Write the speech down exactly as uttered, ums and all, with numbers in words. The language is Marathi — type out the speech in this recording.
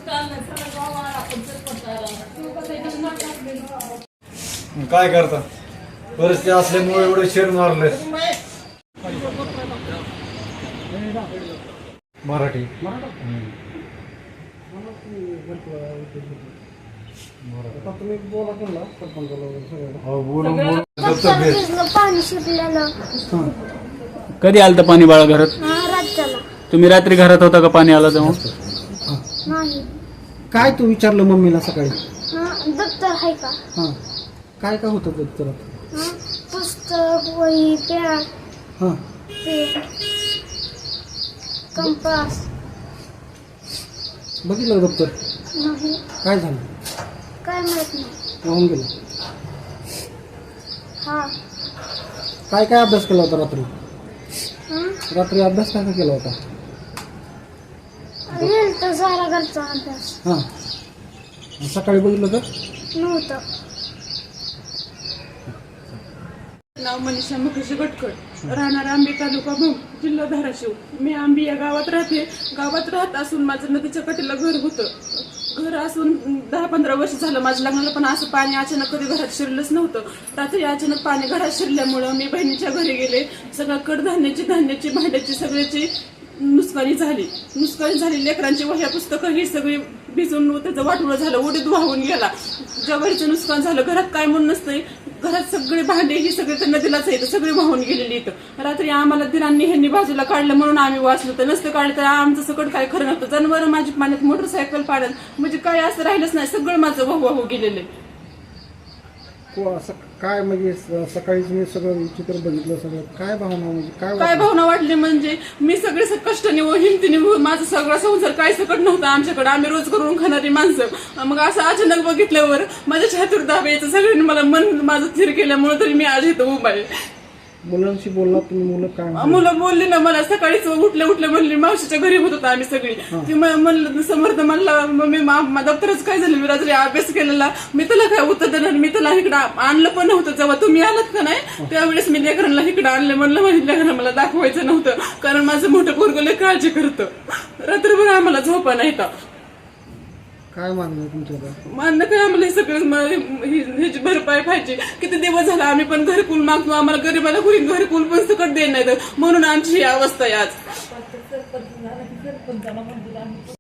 काय करता परिस्थिती असल्यामुळे एवढं शेर मारले मराठी तुम्ही बोला केला पाणी शिरलेलं कधी आलं पाणी बाळा घरात? राज्याला तुम्ही रात्री घरात होता का पाणी आलं तेव्हा? नाही. काय तू विचारलं मम्मीला सकाळी? दप्तर आहे का? हा काय काय होतं दप्तरात? पुस्तक, वही, पॅड, हा पेन, कंपास. बघितलं दप्तर? नाही. काय झालं? काय माहित नाही. वाहून गेलं? हा. काय काय अभ्यास केला होता रात्री? हं? रात्री अभ्यास काय काय केला होता? तर सारा घरचा अभ्यास हा सकाळी बघितलं तर नव्हतं. नाव मनीषा मुखर्जी गटकड, राहणार आंबे तालुका भूम, जिल्हा धाराशिव. मी आंबी या गावात राहते. गावात राहत असून माझं नदीच्या काठीला घर होतं. घर असून दहा पंधरा वर्ष झालं माझ्या लग्नाला, पण असं पाणी अचानक कधी घरात शिरलंच नव्हतं. रात्री अचानक पाणी घरात शिरल्यामुळं मी बहिणीच्या घरी गेले. सगळं कडधान्याची, धान्याची, भांड्याची सगळ्याची नुकसानी झाली. नुकसानी झाली. लेकरांची वह्या पुस्तकं ही सगळी भिजून त्याचं वाटोळं झालं, उडीत वाहून गेला. ज्वारीचं नुकसान झालं. घरात काय म्हणून नसतंय. घरात सगळे भांडे ही सगळे तर नदीलाच आहेत, सगळे वाहून गेलेली इथं. रात्री आम्हाला दिरांनी ह्यांनी बाजूला काढलं म्हणून आम्ही वाचलो. तर नसतं काढलं तर आमचं सकट काय खरं नव्हतं. जनावर माझी पाण्यात, मोटरसायकल पाण्यात, म्हणजे काय असं राहिलंच नाही. सगळं माझं वाहू वाहू गेलेलं आहे. काय म्हणजे सकाळीच मी सगळं चित्र बघितलं. सगळं काय भावना म्हणजे काय काय भावना वाटली म्हणजे मी सगळे कष्टाने व हिमतीने माझा सगळा संसार काय सकट नव्हता आमच्याकडे. आम्ही रोज करून खाणारी माणसं. मग असं अचानक बघितल्यावर माझ्या छातीवर दाब यायचं. सगळ्यांनी मला मन माझं स्थिर केल्यामुळे तरी मी आज इथं उभा आहे. मुलांशी बोलला तुम्ही? मुलं काय मुलं बोलली ना मला. सकाळीच उठल्या उठल्या म्हणली मावशीच्या घरी होत होता आम्ही सगळी. ती म्हणलं समर्थ म्हणला मम्मी दप्तरच काय झालं. मी रात्री अभ्यास केलेला. मी त्याला काय उत्तर देणार. मी त्याला इकडं आणलं पण नव्हतं. जेव्हा तुम्ही आलात का नाही त्यावेळेस मी लेकरांना इकडं आणलं. म्हणलं माझ्या लेकरांना मला दाखवायचं नव्हतं, कारण माझं मोठं पोरगं लय काळजी करतं. रात्रभर आम्हाला झोपा नाही का. काय मागणं तुमच्याकडे? मानणं काय आम्हाला हे सगळं ह्याची भरपाई पाहिजे. किती दिवस झाला आम्ही पण घरकुल मागतो. आम्हाला गरीबाला कुणी घरकुल पण सकट देत नाही, म्हणून आमची ही अवस्था आहे आज.